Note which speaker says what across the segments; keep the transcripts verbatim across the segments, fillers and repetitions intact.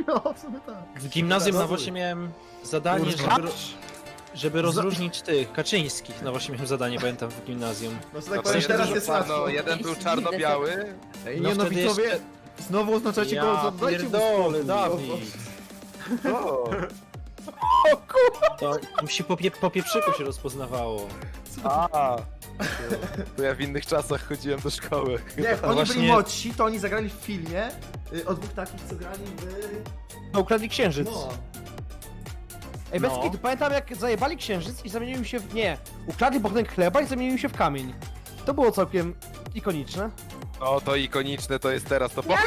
Speaker 1: No, w sumie tak.
Speaker 2: W gimnazjum
Speaker 1: Dobra,
Speaker 2: no właśnie miałem zadanie,
Speaker 1: Kurwa.
Speaker 2: żeby, żeby rozróżnić tych Kaczyńskich. No właśnie miałem zadanie, pamiętam, w gimnazjum.
Speaker 1: No, że
Speaker 3: No
Speaker 1: tak
Speaker 3: to
Speaker 1: powiem,
Speaker 3: jeden,
Speaker 1: teraz
Speaker 3: był
Speaker 1: jest
Speaker 3: czarno,
Speaker 1: łatwo.
Speaker 3: jeden był czarno-biały.
Speaker 1: Ej,
Speaker 2: No
Speaker 1: nie no,
Speaker 2: wtedy
Speaker 1: widzowie,
Speaker 2: jeszcze-
Speaker 1: znowu oznaczacie go,
Speaker 2: Ja
Speaker 1: oddajcie mu
Speaker 2: pierdolę,
Speaker 1: spokój.
Speaker 2: Dawid.
Speaker 3: O,
Speaker 2: To musi po, pie, po pieprzyku się rozpoznawało.
Speaker 3: a. To ja w innych czasach chodziłem do szkoły.
Speaker 1: Nie, jak
Speaker 2: No
Speaker 1: oni byli
Speaker 2: właśnie-
Speaker 1: młodsi, to oni zagrali w filmie y, o dwóch takich, co grali w...
Speaker 4: No, ukradli księżyc.
Speaker 1: No.
Speaker 4: Ej, bez
Speaker 2: No.
Speaker 4: kitu, pamiętam jak zajebali księżyc i zamienił się w... Nie, ukradli bochenek chleba i zamienił się w kamień. To było całkiem ikoniczne.
Speaker 3: O, to ikoniczne to jest teraz, to po...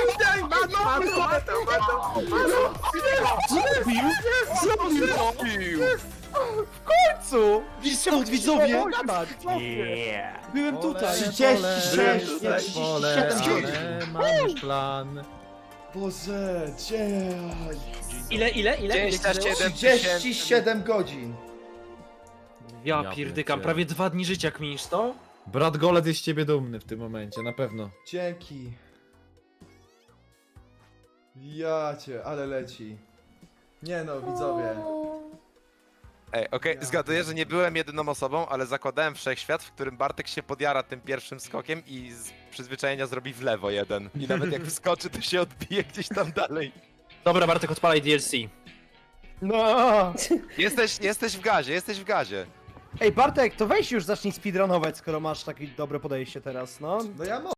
Speaker 2: Zrobił? Zrobił to!
Speaker 4: Co?
Speaker 2: Widzą, widzowie!
Speaker 4: Byłem tutaj.
Speaker 1: trzydzieści sześć,
Speaker 4: Nie,
Speaker 1: nie,
Speaker 4: trzydzieści siedem.
Speaker 1: Mam już plan. Boże, gdzie?
Speaker 2: Ile, ile, ile?
Speaker 3: dwadzieścia siedem
Speaker 1: trzydzieści siedem godzin.
Speaker 2: Ja
Speaker 5: Ja
Speaker 2: pierdykam,
Speaker 5: pierdzielę.
Speaker 2: prawie dwa dni życia kminisz to?
Speaker 5: Brat Golec jest z ciebie dumny w tym momencie, na pewno.
Speaker 1: Dzięki. Ja cię, ale leci. Nie no, widzowie.
Speaker 3: Ej, okej,
Speaker 1: Ja.
Speaker 3: zgaduję, że nie byłem jedyną osobą, ale zakładałem wszechświat, w którym Bartek się podjara tym pierwszym skokiem i z przyzwyczajenia zrobi w lewo jeden. I nawet jak wskoczy, to się odbije gdzieś tam dalej.
Speaker 2: Dobra, Bartek, odpalaj D L C.
Speaker 4: No.
Speaker 3: Jesteś, jesteś w gazie, jesteś w gazie.
Speaker 4: Ej, Bartek, to weź już zacznij speedrunować, skoro masz takie dobre podejście teraz, no.
Speaker 1: No ja mogę.